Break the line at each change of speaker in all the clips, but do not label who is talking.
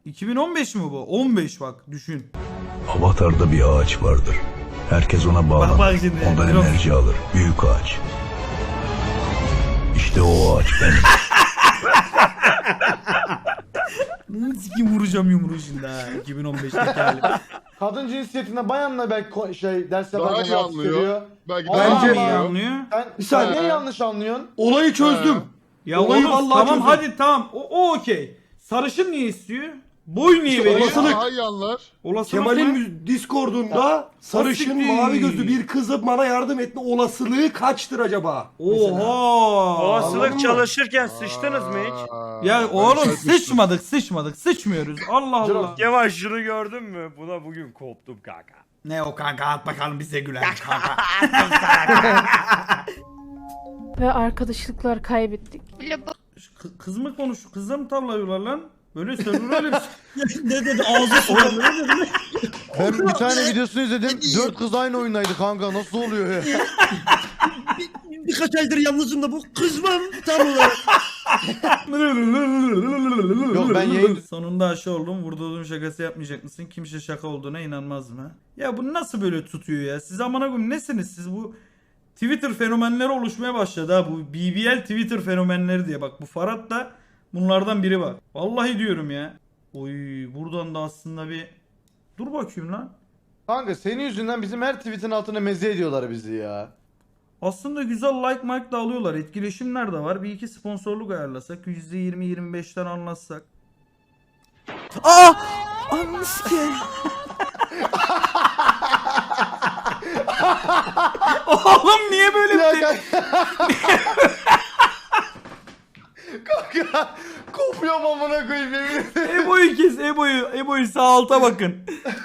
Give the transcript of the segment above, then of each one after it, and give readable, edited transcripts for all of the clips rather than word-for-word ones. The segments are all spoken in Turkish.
2015 mi bu? 15 bak düşün.
Avatar'da bir ağaç vardır. Herkes ona bağlanır.
Bak şimdi,
Ondan
biraz-
enerji alır. Büyük ağaç. İşte o ağaç benim.
Sikim vuracağım yumruğu şimdi ha. 2015'teki halim.
Kadın cinsiyetinde bayanla belki ders
Daha
yaparken
iyi
rahatsız
anlıyor.
ediyor.
Belki
Aa,
Bence
Allah
iyi
Allah.
anlıyor.
Sen
Bir saniye.
niye yanlış anlıyorsun?
Olayı çözdüm.
Ya
Olayı
oğlum,
vallahi
tamam
çözdüm.
hadi tamam. O okey. Sarışın niye istiyor? Boy niye
İşte
veriyor?
olasılık.
Daha iyi anlar.
Olasılık
Kemal'in
mı?
Discord'unda sarışın
siktir.
mavi gözlü bir kızın bana yardım etme olasılığı kaçtır acaba? Mesela.
Oha.
Anladın
Olasılık
mı?
çalışırken sıçtınız mı hiç?
Ya oğlum sıçmadık. Sıçmıyoruz. Allah Allah.
Kemal şunu gördün mü? Buna bugün koptum kanka.
Ne o kanka at bakalım bize gülen kanka.
Ve arkadaşlıklar kaybettik.
Kız mı konuşuyor? Kızla mı tavlıyorlar lan? Böyle söylüyor öyle bir şey.
Ne dedi ağzı sulandı ne dedi?
Ben bir tane videosunu izledim. 4 kız aynı oyundaydı kanka. Nasıl oluyor ya?
Birkaç aydır yalnızım da bu kızmam tam olarak.
Yok, ben yayın-
Sonunda aşı oldum. Vurduğum şakası yapmayacak mısın? Kimse şaka olduğuna inanmaz mı? Ya bu nasıl böyle tutuyor ya? Siz amına koyayım nesiniz siz bu? Twitter fenomenleri oluşmaya başladı ha. Bu BBL Twitter fenomenleri diye. Bak bu Farhat da bunlardan biri bak. Vallahi diyorum ya. Oy buradan da aslında bir... Dur bakayım lan.
Kanka senin yüzünden bizim her tweetin altına meze ediyorlar bizi ya.
Aslında güzel like mark da alıyorlar. Etkileşimler de var. Bir iki sponsorluk ayarlasak. %20-25'ten anlatsak. Aa! Ananı sikeyim. Oğlum niye böyle
Ya
bir şey?
kanka kopuyorum amına koyayım yemin ederim.
Ebo'yu kes Ebo'yu. Ebo'yu sağ alta bakın.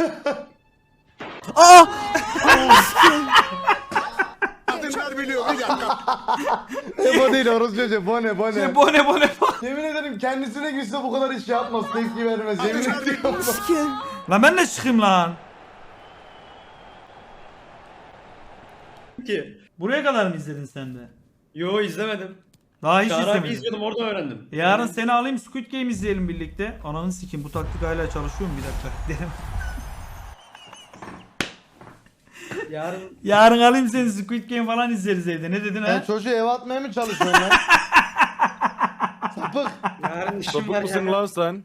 Aa!
Kadınlar biliyor bir dakika.
Bu değil orası çocuğu. Bu ne?
Bone.
Yemin ederim kendisine gülse bu kadar iş yapmaz. Tepki vermez. Yemin ediyorum.
Lan ben de çıkayım lan.
Ki.
Buraya kadar mı izledin sen de?
Yo izlemedim.
Daha hiç
Çağrı abi
izlemedin.
izliyordum oradan öğrendim.
Yarın seni alayım Squid Game izleyelim birlikte. Ananı sikeyim bu taktik hala çalışıyor mu bir dakika. Derim.
Yarın
Yarın alayım seni Squid Game falan izleriz evde. Ne dedin
Sen
ha?
çocuğu eve atmaya mı çalışıyorsun lan? Sapık.
yarın işim
Sapık
var
mısın
ya.
lan sen?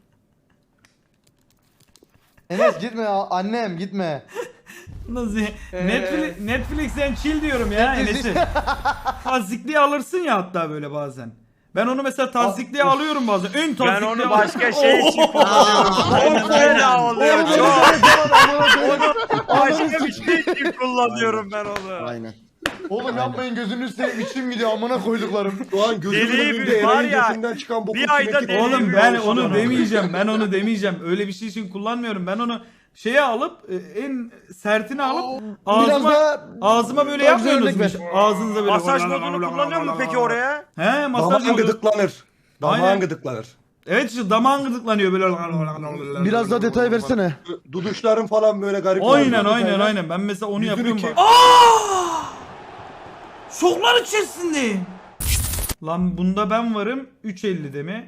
Enes gitme annem gitme.
Nasıl? Netflix'ten chill diyorum ya Enes'i. Tazikliği alırsın ya hatta böyle bazen. Ben onu mesela tazikliğe alıyorum bazen. Ön
Ben
tazikliğe
onu başka şey için
Aynen,
kullanıyorum. Çok fena oluyor çok.
Ananı
Başka bir şey için kullanıyorum ben onu.
Aynen.
Oğlum yapmayın gözünü seveyim içim gidiyor amına koyduklarım.
Şu an gözümün
Deliği
önünde
var
Eren'in
ya,
götünden çıkan boku
bir ayda
kinetik-
deliği
Oğlum
bir
ben
oluştu
onu
bana.
demeyeceğim. Ben onu demeyeceğim. Öyle bir şey için kullanmıyorum. Ben onu şeye alıp en sertini alıp ağzıma böyle
Daha güzel
yapmıyorsunuz.
örnek
Ağzınıza böyle.
Masaj modunu kullanıyor mu peki oraya?
He masaj
Damağın
modu.
gıdıklanır.
Aynen.
Damağın gıdıklanır.
Evet işte damağın gıdıklanıyor böyle.
Biraz daha detay versene.
Duduşların falan böyle garip.
Aynen. Ben mesela onu
Yüzünü
yapıyorum.
ki-
Şoklar içerisindeyim. Lan bunda ben varım. 3.50'de mi?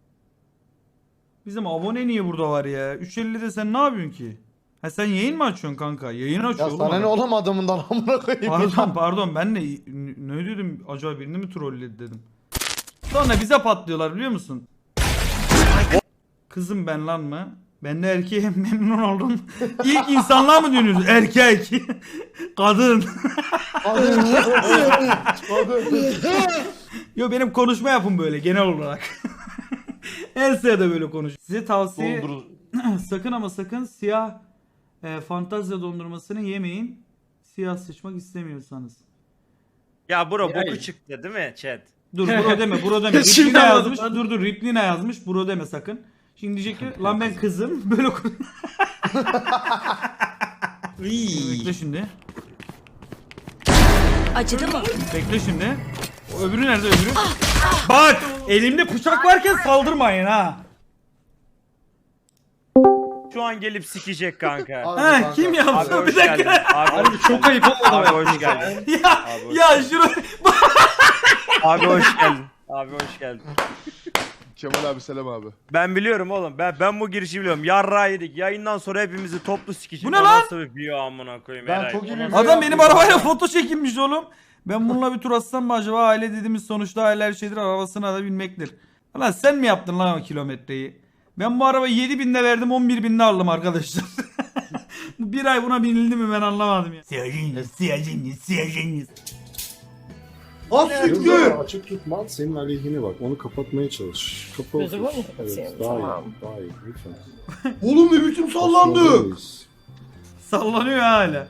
Bizim abone niye burada var ya? 3.50'de sen ne yapıyorsun ki? Ha sen yayın mı açıyorsun kanka? Yayın açıyor
Ya
oğlum.
sana ne
adam.
oğlum adamından amına koyayım.
Pardon ben de ne dedim acaba birini mi trolledi dedim. Sonra bize patlıyorlar biliyor musun? Kızım ben lan mı? Ben de erkeğe memnun oldum. İlk insanlar mı dönüyoruz? Erkek. Kadın. Yo benim konuşma yapım böyle genel olarak. Her sırada böyle konuş. Size tavsiye sakın ama sakın siyah fantazya dondurmasını yemeyin. Siyah sıçmak istemiyorsanız.
Ya bro
Yani.
boku çıktı değil mi chat?
Dur bro deme bro deme.
Şimdi
Riplina
anladım
yazmış.
lan.
Dur Riplina yazmış. Bro deme sakın. Şimdi diyecek ki lan ben kızım. Böyle Bekle şimdi.
Acıdı mı?
Bekle şimdi. O öbürü nerede öbürü? Bak elimde bıçak varken saldırmayın ha.
Şu an gelip sikecek kanka.
Ha kim
Abi
yaptı
hoş
bir
geldin.
dakika.
Abi hoş
Çok ayıp olmadı
Abi
ama.
hoş geldin.
Ya
Abi hoş
ya şunu
Abi hoş geldin. Abi hoş geldin.
Kemal abi selam abi.
Ben biliyorum oğlum. Ben bu girişi biliyorum. Yarrağı yedik. Yayından sonra hepimizi toplu sikeceğiz.
Bu ne lan?
Nasıl bir video amına koyayım
Ben
Eray.
çok iyi bir
Nasıl-
Adam benim arabayla foto çekilmiş oğlum. Ben bununla bir tur atsam mı acaba? Aile dediğimiz sonuçta aile her şeydir, arabasına da binmektir. Lan sen mi yaptın lan o kilometreyi? Ben bu arabayı 7.000'de verdim, 11.000'de aldım arkadaşlar. Bu bir ay buna binildi mi ben anlamadım ya. Siyacınız.
Az siktir.
Açık tutma senin aleyhine bak. Onu kapatmaya çalış. Kapalı.
Gözümü mü kapatayım?
Evet, daha
Tamam.
iyi. Daha iyi. Lütfen.
Oğlum ne biçim sallandı.
Sallandayız.
Sallanıyor hala.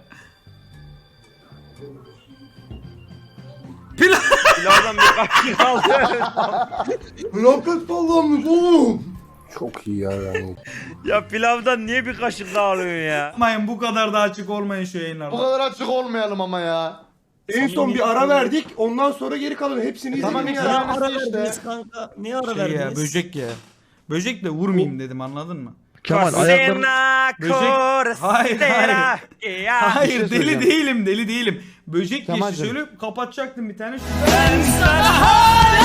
Pilavdan bir kaşık aldı.
Felaket sallanmış oğlum.
Çok iyi ya yani.
Ya pilavdan niye bir kaşık daha alıyorsun ya?
Yapmayın, bu kadar da açık olmayın şu
Bu
yayınlarda.
kadar açık olmayalım ama ya.
En son bir ara verdik. Ondan sonra geri kalan hepsini
Tamam,
izledim
ya.
ya.
Ara
işte.
verdiniz kanka. Niye ara
Şey ya,
verdiniz?
böcek ya. Böcekle vurmayayım dedim, anladın mı?
Kemal ayakların...
Böcek- Hayır, hayır.
Ya.
Hayır,
şey
deli
söyleyeceğim.
değilim, deli değilim. Böcek geçti,
Kemal'cim.
şöyle kapatacaktım bir tane. Ben sana hala